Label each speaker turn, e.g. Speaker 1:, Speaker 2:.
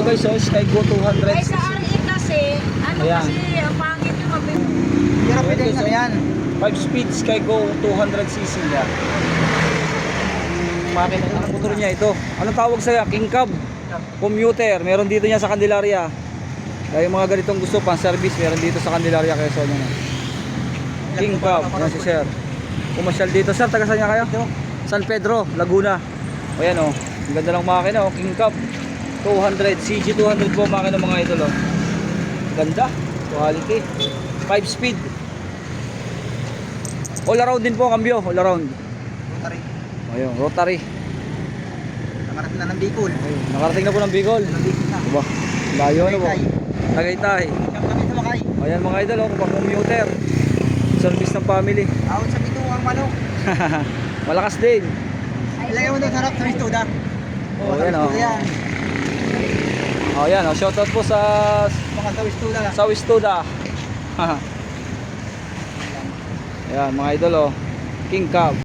Speaker 1: Ito guys, so Skygo 200
Speaker 2: Ay, sa
Speaker 1: cc.
Speaker 2: RE kasi, ano
Speaker 1: Ayan.
Speaker 2: kasi, ang pangit yung mabili.
Speaker 3: Hirap din ano yan.
Speaker 1: 5 speed Skygo 200 cc yan. Makina ng motor niya ito. Anong tawag sa'yo? King Cab. Commuter. Meron dito niya sa Candelaria. Kaya yung mga ganitong gusto pang service, meron dito sa Candelaria Quezon yan. King Cab. Yan si sir. Pumasyal dito. Sir, taga saan niya kayo? San Pedro, Laguna. O yan o. Ang ganda ng makina o. King Cab 200. CG 200 po makina mga idol o. Ganda. Quality. 5 speed. All around din po, kambyo. All around.
Speaker 3: Rotary.
Speaker 1: Ayun, rotary.
Speaker 3: Nakarating na ng Bicol.
Speaker 1: Ayun, nakarating na po ng Bicol.
Speaker 3: Ng Bicol na.
Speaker 1: Diba? Layo na po.
Speaker 3: Tagaytay.
Speaker 1: Tagaytay.
Speaker 3: Siyam kami sumakay.
Speaker 1: Ayan mga idol, oh, pang commuter. Service ng family.
Speaker 3: Awit sa bituang manok.
Speaker 1: Malakas din.
Speaker 3: Ilagay mo doon sa harap sa Ristuda.
Speaker 1: Oh, yan oh.
Speaker 3: Yan.
Speaker 1: Oh, yan oh. Shoutout po sa
Speaker 3: Mga sa Ristuda.
Speaker 1: Wistuda. Ayan mga idol oh. King Cab.